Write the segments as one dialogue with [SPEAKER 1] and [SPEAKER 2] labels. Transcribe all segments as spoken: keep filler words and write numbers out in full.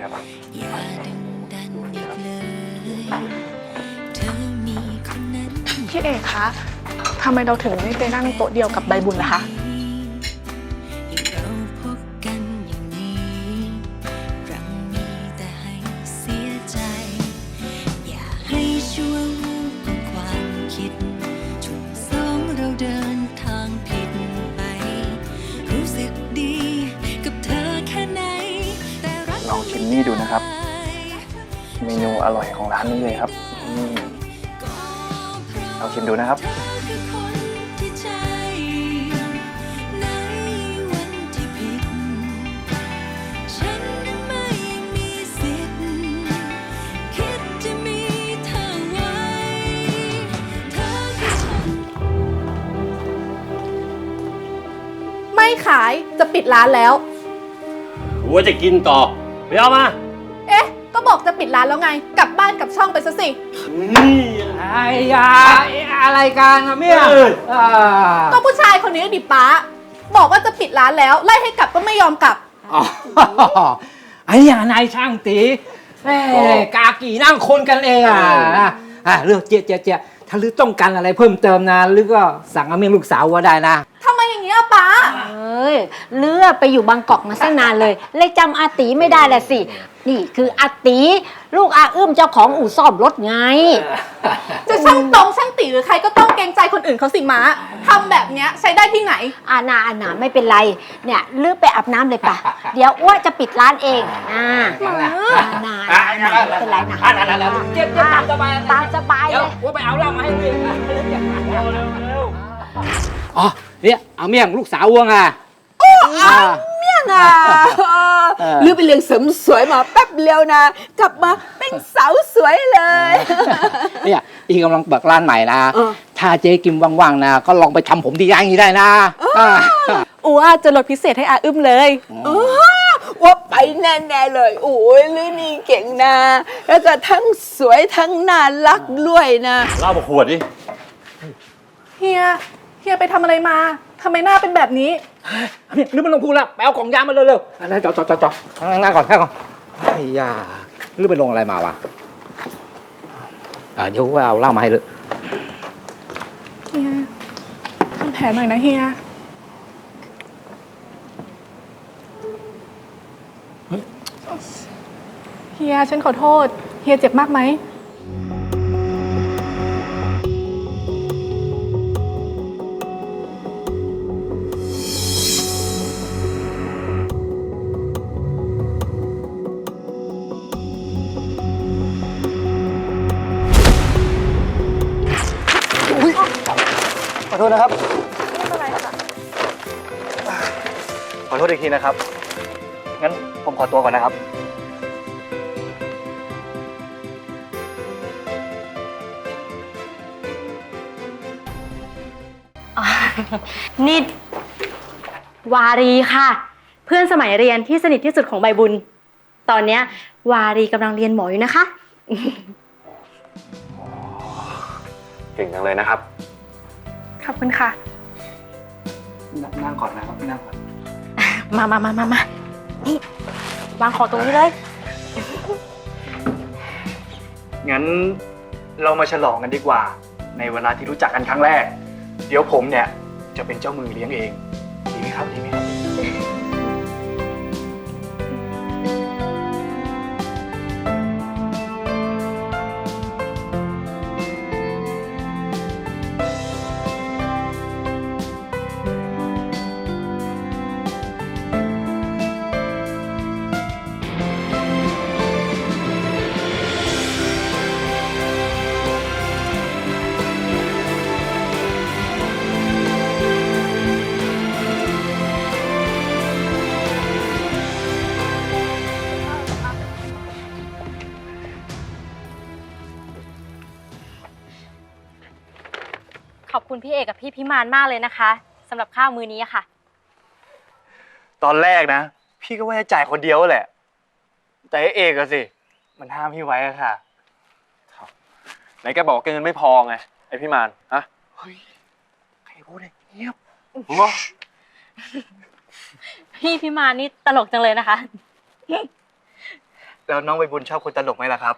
[SPEAKER 1] ครับ
[SPEAKER 2] พี่เอกคะทำไมเราถึงไม่ไปนั่งโต๊ะเดียวกับใบบุญล่ะคะ
[SPEAKER 1] ลองชิมนี่ดูนะครับเมนูอร่อยของร้านนี้เลยครับลองชิมดูนะครับ
[SPEAKER 2] ไม่ขายจะปิดร้านแล้ว
[SPEAKER 3] ว่าจะกินต่อไปเอามา
[SPEAKER 2] เอ๊ะก็บอกจะปิดร้านแล้วไงกลับบ้านกลับช่องไปซะสิ
[SPEAKER 3] นี่
[SPEAKER 4] ไอ้ยาอะไรกันอะเมี่ย
[SPEAKER 2] ก็ผู้ชายคนนี้ดิป้าบอกว่าจะปิดร้านแล้วไล่ให้กลับก็ไม่ยอมกลับ
[SPEAKER 4] ไอ้ยานายช่างตีกากี่นั่งคนกันเองอ่ะอ่ะเลือกเจี๊ยเจี๊ยเจี๊ยถ้าลือต้องการอะไรเพิ่มเติมนะลือก็สั่งอาเมี่ยงลูกสาวว่าได้นะ
[SPEAKER 2] ทำไมอย่างเงี้ยป้า
[SPEAKER 5] เอ้ยเลือไปอยู่บางกอกมาตั้งนานเลยเลยจำอาตีไม่ได้แหละสินี่คืออาตีลูกอาอื้มเจ้าของอู่ซ่อมรถไง
[SPEAKER 2] จะช่างตรงช่างตีหรือใครก็ต้องเกรงใจคนอื่นเขาสิม้าทำแบบเนี้ยใช้ได้ที่ไหน
[SPEAKER 5] อานาอานาไม่เป็นไรเนี่ยลือไปอาบน้ำเลยป่ะเดี๋ยวอ้วจะปิดร้านเองอ่าอานาไม่เป็นไรนะ
[SPEAKER 4] เจี๊ยบตามสบาย
[SPEAKER 5] ตามสบายเลย
[SPEAKER 4] ว่าไปเอาเหล้ามาให้เลยอ๋อเนี่ยเอาเมี่ยงลูกสาววงอ่ะ
[SPEAKER 6] เมี่ยงอ่ะลือไปเรียนเสริมสวยมาแป๊บเดียวนะกลับมาเป็นสาวสวยเลย
[SPEAKER 4] เนี่ยอีกำลังเปิดร้านใหม่นะถ้าเจ๊กิมว่างๆนะก็ลองไปทำผมที่ร้านนี้ได้นะ
[SPEAKER 2] อูอาจะลดพิเศษให้อาอึ้มเลย
[SPEAKER 6] ว่าไปแน่ๆเลยโอ้ยลือนี่เก่งนะแล้วก็ทั้งสวยทั้งน่ารักด้วยนะ
[SPEAKER 3] เล่ามาขวดดิ
[SPEAKER 2] เฮียเฮียไปทำอะไรมาทำไมหน้าเป็นแบบนี้
[SPEAKER 4] นี่ลืมมันลงพูแล้วไปเอาของยามาเร็วๆอะไรจอดจอดจอดจอดนั่งก่อนนั่งก่อนไอ้ยาลืมไปลงอะไรมาวะอ่าเดี๋ยวว่าเอาเหล้ามาให้เลย
[SPEAKER 2] เฮียทำแผลหน่อยนะเฮียเฮียฉันขอโทษเฮียเจ็บมากไหม
[SPEAKER 1] ขอโทษนะครับ
[SPEAKER 2] ไม่เป็นไรค่ะ
[SPEAKER 1] ขอโทษอีกทีนะครับงั้นผมขอตัวก่อนนะครับ
[SPEAKER 7] นี่วารีค่ะเพื่อนสมัยเรียนที่สนิทที่สุดของใบบุญตอนเนี้ยวารีกำลังเรียนหมออยู่นะคะ
[SPEAKER 1] เก่งจังเลยนะครับ
[SPEAKER 2] ขอบคุณค่ะ
[SPEAKER 1] นั่งก่อนนะครับนั่งก่อน
[SPEAKER 7] มามามามามานี่วางของตรงนี้เลย
[SPEAKER 1] งั้นเรามาฉลองกันดีกว่าในเวลาที่รู้จักกันครั้งแรกเดี๋ยวผมเนี่ยจะเป็นเจ้ามือเลี้ยงเองดีไหมครับดีไหมครับ
[SPEAKER 7] ขอบคุณพี่เอกกับพี่พิมานมากเลยนะคะสำหรับข้าวมื้อนี้ค่ะ
[SPEAKER 1] ตอนแรกนะพี่ก็ว่าจะจ่ายคนเดียวแหละแต่ไอ้เอกอะสิมันห้ามพี่ไว้อะค่ะไหนแกบอกแกเงินไม่พอไงไอพี่มานฮะเฮ้ยใครพูดเนี่ยเงียบ
[SPEAKER 7] พี่พิมานนี่ตลกจังเลยนะคะ
[SPEAKER 1] แล้วน้องใบบุญชอบคนตลกไหมล่ะครับ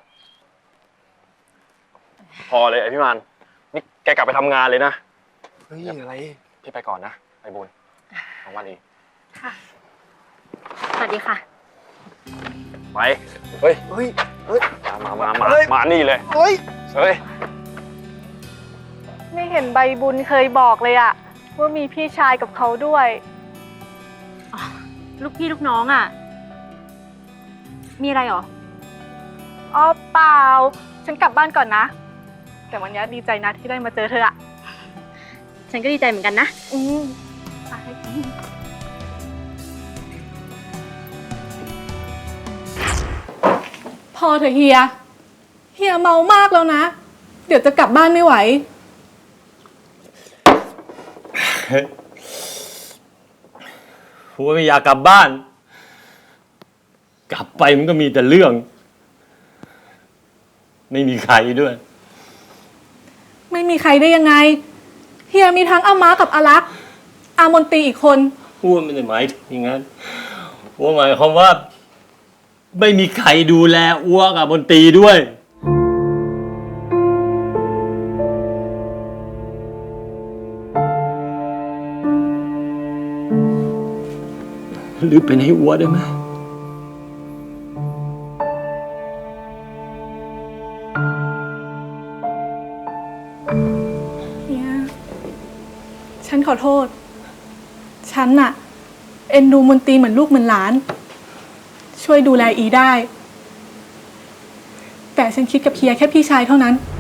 [SPEAKER 3] พอเลยไอพี่มานนี่แกกลับไปทำงานเลยนะ
[SPEAKER 1] เฮ้ยอะไร
[SPEAKER 3] พี่ไปก่อนนะไอบุญของวันเอง
[SPEAKER 7] ค่ะ สวัสดีค่ะ
[SPEAKER 3] ไป เฮ้ย
[SPEAKER 1] เฮ้ย เฮ้ย
[SPEAKER 3] มามามา
[SPEAKER 1] เฮ้ย
[SPEAKER 3] มานี่เลย
[SPEAKER 1] เฮ้ย
[SPEAKER 3] เฮ้ย
[SPEAKER 2] ไม่เห็นใบบุญเคยบอกเลยอะว่ามีพี่ชายกับเขาด้วย
[SPEAKER 7] ลูกพี่ลูกน้องอ่ะ มีอะไรหรอ
[SPEAKER 2] อ๋อเปล่า ฉันกลับบ้านก่อนนะ แต่วันนี้ดีใจนะที่ได้มาเจอเธออะ
[SPEAKER 7] ฉันก็ดีใจเหมือนกันนะ
[SPEAKER 2] อืมไปพอเถอะเฮีย เฮียเมามากแล้วนะ เดี๋ยวจะกลับบ้านไม่ไหว
[SPEAKER 3] ผมไม่อยากกลับบ้าน กลับไปมันก็มีแต่เรื่อง ไม่มีใครด้วย
[SPEAKER 2] ไม่มีใครได้ยังไง เฮียมีทั้งอาม้ากับอารักษ์อามนตรีอีกคน
[SPEAKER 3] พูดไม่ได้หมายถึงอย่างนั้นอัวหมายความว่า ไม่มีใครดูแลอัวกับบนตรีด้วย หรือเป็นให้อัวได้ไหม
[SPEAKER 2] เฮีย ฉันขอโทษ ฉันน่ะ เอ็นดูมนตรีเหมือนลูกเหมือนหลาน ช่วยดูแลอีได้ แต่ฉันคิดกับเฮียแค่พี่ชายเท่านั้น